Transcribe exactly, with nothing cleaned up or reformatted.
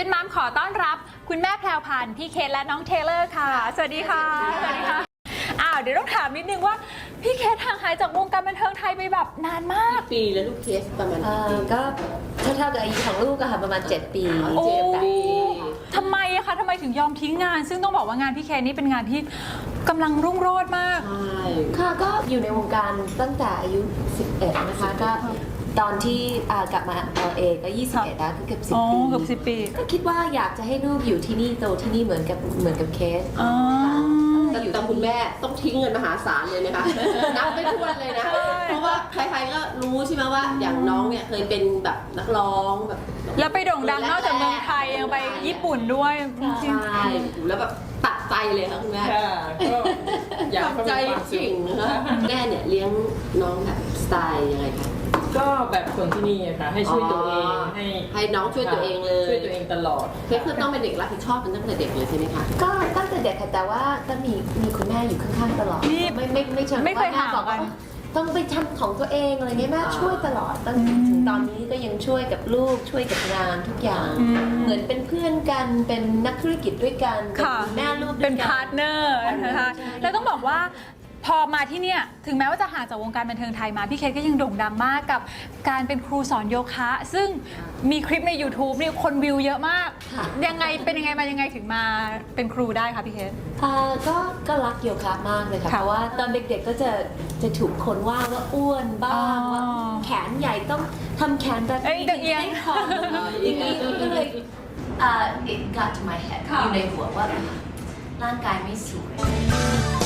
ฟิตมัมขอต้อนรับคุณแม่แพรวพันธ์พี่เคทและน้องเทเลอร์ค่ะสวัสดีค่ะสวัสดีค่ะอ้าวเดี๋ยวต้องถามนิดนึงว่าพี่เคทห่างหายจากวงการบันเทิงไทยไปแบบนานมากปีแล้วลูกเคสประมาณกี่ปีก็เท่าๆกับอายุของลูกอะค่ะประมาณเจ็ดปีโอ้เจ็ดปีทำไมอะคะทำไมถึงยอมทิ้งงาน ซึ่งต้องบอกว่างานพี่เคทนี่เป็นงานที่กำลังรุ่งโรจน์มากใช่ค่ะก็อยู่ในวงการตั้งแต่อายุสิบเอ็ดนะคะก็ตอนที่อ่ากลับมา แอล เอ ก็ยี่สิบเอ็ดแล้วคือเกือบสิบอ๋อปีเกือบสิบปีก็คิดว่าอยากจะให้ลูกอยู่ที่นี่โตที่นี่เหมือนกับเหมือนกับเคสอ๋อแต่แต่คุณแม่ต้องทิ้งเงินมหาศาลเลยนะคะ นับไม่ถ้วนเลยนะ เพราะว่าใครๆก็รู้ใช่ไหมว่าอย่างน้องเนี่ยเคยเป็นแบบนักร้องแบบแล้วไปโด่งดังนอกจากเมืองไทยยังไปญี่ปุ่นด้วยใช่แล้วแบบตัดใจเลยค่ะคุณแม่ค่ะก็อยากตัดใจจริงนะคะแม่เนี่ยเลี้ยงน้องแบบสไตล์ยังไงคะก็แบบคนที่นี่อะค่ะให้ช่วยตัวเองให้ให้น้องช่วยตัวเองเลยช่วยตัวเองตลอดเคสคือต้องเป็นเด็กรับผิดชอบมันตั้งแต่เด็กเลยใช่ไหมคะก็ตั้งแต่เด็กค่ะแต่ว่าก็มีมีคุณแม่อยู่ข้างๆตลอดนี่ไม่ไม่ไม่เชิงไม่เคยว่าแม่ห่างบอกกัว่าน ต้องไปทำของตัวเองอะไรเงี้ยแม่ช่วยตลอดตั้งถึงตอนนี้ก็ยังช่วยกับลูกช่วยกับงานทุกอย่างอืมเหมือนเป็นเพื่อนกันเป็นนักธุรกิจด้วยกันเป็นค่ะแม่ลูกด้เป็วน ยกัพาร์ทเนอร์นะคะแล้วต้องบอกว่าพอมาที่เนี่ยถึงแม้ว่าจะห่างจากวงการบันเทิงไทยมาพี่เคทก็ยังโด่งดังมากกับการเป็นครูสอนโยคะ ซึ่งมีคลิปใน YouTube นี่คนวิวเยอะมากค่ะยังไงเป็นยังไงมายังไงถึงมาเป็นครูได้คะพี่เคทอ่าก็ก็รักโยคะมากเลยค่ะค่ะเพราะว่าตอนเด็กๆก็จะจะถูกคนว่าว่าอ้วนบ้างอ๋อว่าแขนใหญ่ต้องทำแขนแบบเอ้ยนี้เอียงให้คออย่างนี้ก็เลยอ่า it got to my head อยู่ในหัวว่าร่างกายไม่สวย